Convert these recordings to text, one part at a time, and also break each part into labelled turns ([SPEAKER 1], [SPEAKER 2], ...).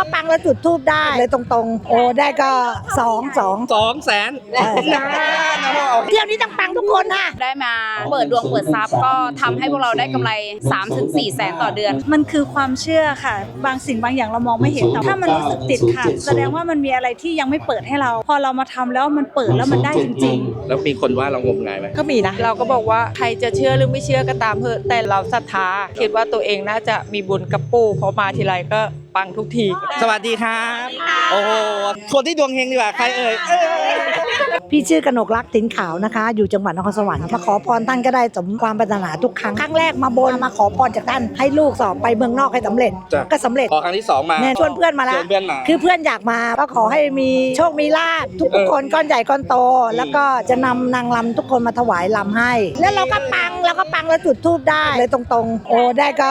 [SPEAKER 1] ก็ปังแล้วจุดธูปได้เลยตรงๆโอ้ได้ก็200,000เที่ยวนี้ต้องปังทุกคนค่ะ
[SPEAKER 2] ได้มาเปิดดวงเปิดทรัพย์ก็ทำให้พวกเราได้กำไร 3-4 แสนต่อเดือน
[SPEAKER 3] มันคือความเชื่อค่ะบางสิ่งบางอย่างเรามองไม่เห็นแต่ถ้ามันรู้สึกติดค่ะแสดงว่ามันมีอะไรที่ยังไม่เปิดให้เราพอเรามาทำแล้วมันเปิดแล้วมันได้จริงๆ
[SPEAKER 4] แล้วมีคนว่าเรางมงายไหม
[SPEAKER 1] ก็มีนะ
[SPEAKER 5] เราก็บอกว่าใครจะเชื่อหรือไม่เชื่อก็ตามเถอะแต่เราศรัทธาคิดว่าตัวเองน่าจะมีบุญกับปู่เพราะมาทีไรก็ปังทุกที
[SPEAKER 4] สวัสดีครับโอ้โหคนที่ดวงเฮงดีกว่าใครเอ่ย
[SPEAKER 1] พี่ชื่อกนกรักติ๋นขาวนะคะอยู่จังหวัดนครสวรรค์มาขอพรท่านก็ได้สมความปรารถนาทุกครั้งแรกมาบนมาขอพรจากท่านให้ลูกสอบไปเมืองนอกให้สำเร็จก็สำเร็จ
[SPEAKER 4] พอครั้งที่2มา
[SPEAKER 1] ชวนเพื่อนมาแล้วคือเพื่อนอยากมาก็ขอให้มีโชคมีลาภทุกคนก้อนใหญ่ก้อนโตแล้วก็จะนำนางรำทุกคนมาถวายรำให้แล้วเราก็ปังแล้วจุดธูปได้เลยตรงๆโอ้ได้ก็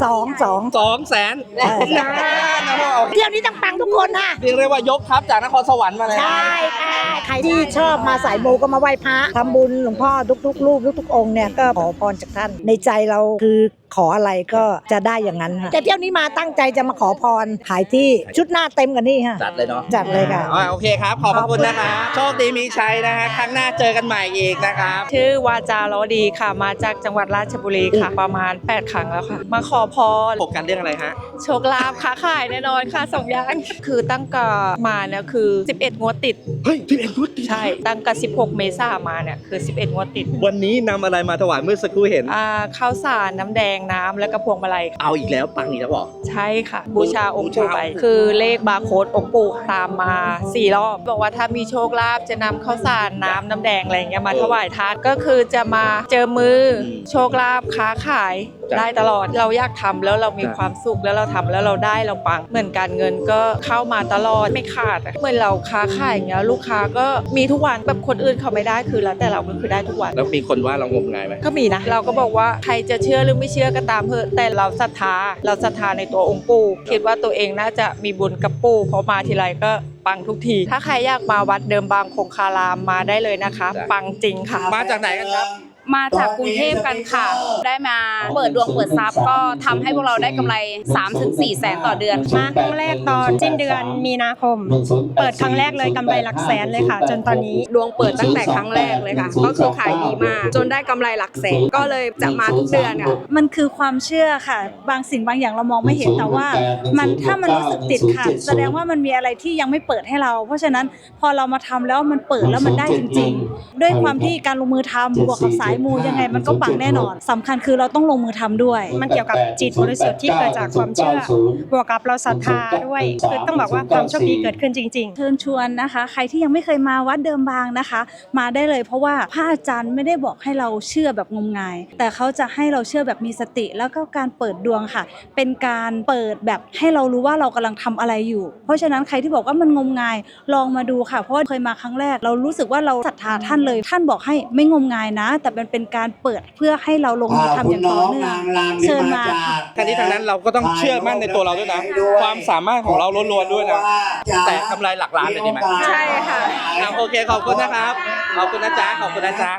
[SPEAKER 4] 200,000
[SPEAKER 1] เที่ยวนี้ต้องปังทุกคนค่ะ
[SPEAKER 4] เรียกได้ว่ายกทัพจากนครสวรรค์มาเลย
[SPEAKER 1] ใช่ค่ะใครที่ชอบมาสายมูก็มาไหว้พระทำบุญหลวงพ่อทุกๆรูปทุกๆองค์เนี่ยก็ขอพรจากท่านในใจเราคือขออะไรก็จะได้อย่างนั้นค่ะแต่เที่ยวนี้มาตั้งใจจะมาขอพรขายที่ชุดหน้าเต็มกันนี่ค่ะ
[SPEAKER 4] จัดเลยเนาะ
[SPEAKER 1] จัดเลยค่ะ
[SPEAKER 4] โอเคครับขอบคุณนะคะโชคดีมีชัยนะฮะครั้งหน้าเจอกันใหม่อีกนะครับ
[SPEAKER 5] ชื่อวาจาล้อดีค่ะมาจากจังหวัดราชบุรีค่ะประมาณ8 ครั้งแล้วค่ะมาขอพร
[SPEAKER 4] โฟกัสเรื่องอะไรฮะ
[SPEAKER 5] โชคลาภค้าขายแน่นอนค่ะ2 อย่างคือตั้งแต่มาเนี่ยคือ11 งวดติด
[SPEAKER 4] เฮ้ย11 งวดติด
[SPEAKER 5] ใช่ตั้งแต่16 เมษายนมาเนี่ยคือ11 งวดติด
[SPEAKER 4] วันนี้นำอะไรมาถวายเมื่อสักครู่เห็น
[SPEAKER 5] ข้าวสารน้ำแดงน้ำและกระพวงมาลัย
[SPEAKER 4] เอาอีกแล้วปังอีกแล้วบอก
[SPEAKER 5] ใช่ค่ะบูชาองค์ปู่ไปคือเลขบาร์โค้ดองค์ปู่ตามมา4 รอบบอกว่าถ้ามีโชคลาภจะนำข้าวสารน้ำแดงอะไรเงี้ยมาถวายทานก็คือจะมาเจอมือโชคลาภค้าขายได้ตลอดเราอยากทำแล้วเรามีความสุขแล้วเราทำแล้วเราได้เราปังเหมือนการเงินก็เข้ามาตลอดไม่ขาดเหมือนเราค้าขายอย่างเงี้ยลูกค้าก็มีทุกวันแบบคนอื่นเขาไม่ได้คือแล้วแต่เราก็คือได้ทุกวัน
[SPEAKER 4] แล้วมีคนว่าเรางมงายไหม
[SPEAKER 5] ก็มีนะเราก็บอกว่าใครจะเชื่อหรือไม่เชื่อก็ตามเถอะแต่เราศรัทธาในตัวองค์ปู่คิดว่าตัวเองน่าจะมีบุญกับปู่เพราะมาทีไรก็ปังทุกทีถ้าใครอยากมาวัดเดิมบางคงคารามมาได้เลยนะคะปังจริงค่ะ
[SPEAKER 4] มาจากไหนกันครับ
[SPEAKER 2] มาจากกรุงเทพกันค่ะได้มาเปิดดวงเปิดทรัพย์ก็ทำให้พวกเราได้กำไร 3-4 แสนต่อเดือน
[SPEAKER 3] มาครั้งแรกตอนสิ้นเดือนมีนาคมเปิดครั้งแรกเลยกำไรหลักแสนเลยค่ะจนตอนนี้
[SPEAKER 6] ดวงเปิดตั้งแต่ครั้งแรกเลยค่ะก็คือขายดีมากจนได้กำไรหลักแสนก็เลยจะมาทุกเดือนค่ะ
[SPEAKER 3] มันคือความเชื่อค่ะบางสิ่งบางอย่างเรามองไม่เห็นแต่ว่ามันถ้ามันรู้สึกติดค่ะแสดงว่ามันมีอะไรที่ยังไม่เปิดให้เราเพราะฉะนั้นพอเรามาทำแล้วมันเปิดแล้วมันได้จริงๆด้วยความที่การลงมือทำบวกกับสายมูยังไงมันก็ปังแน่นอนสำคัญคือเราต้องลงมือทำด้วยมันเกี่ยวกับจิตบริสุทธิ์ที่เกิดจากความเชื่อบวกกับเราศรัทธาด้วยคือต้องบอกว่าความโชคดีเกิดขึ้นจริงๆเชิญชวนนะคะใครที่ยังไม่เคยมาวัดเดิมบางนะคะมาได้เลยเพราะว่าพระอาจารย์ไม่ได้บอกให้เราเชื่อแบบงมงายแต่เขาจะให้เราเชื่อแบบมีสติแล้วก็การเปิดดวงค่ะเป็นการเปิดแบบให้เรารู้ว่าเรากำลังทำอะไรอยู่เพราะฉะนั้นใครที่บอกว่ามันงมงายลองมาดูค่ะเพราะเคยมาครั้งแรกเรารู้สึกว่าเราศรัทธาท่านเลยท่านบอกให้ไม่งมงายนะแต่มันเป็นการเปิดเพื่อให้เราลงมือทำอย่างต่อเนื่องเชิญมา
[SPEAKER 4] ทั้งนี้ทั้งนั้นเราก็ต้องเชื่อมั่นในตัวเราด้วยนะความสามารถของเราล้วนๆด้วยนะแต่กำไรหลักล้านเลยดีไหม
[SPEAKER 6] ใช่ค่ะ
[SPEAKER 4] โอเคขอบคุณนะครับขอบคุณนะจ๊ะขอบคุณนะจ๊ะ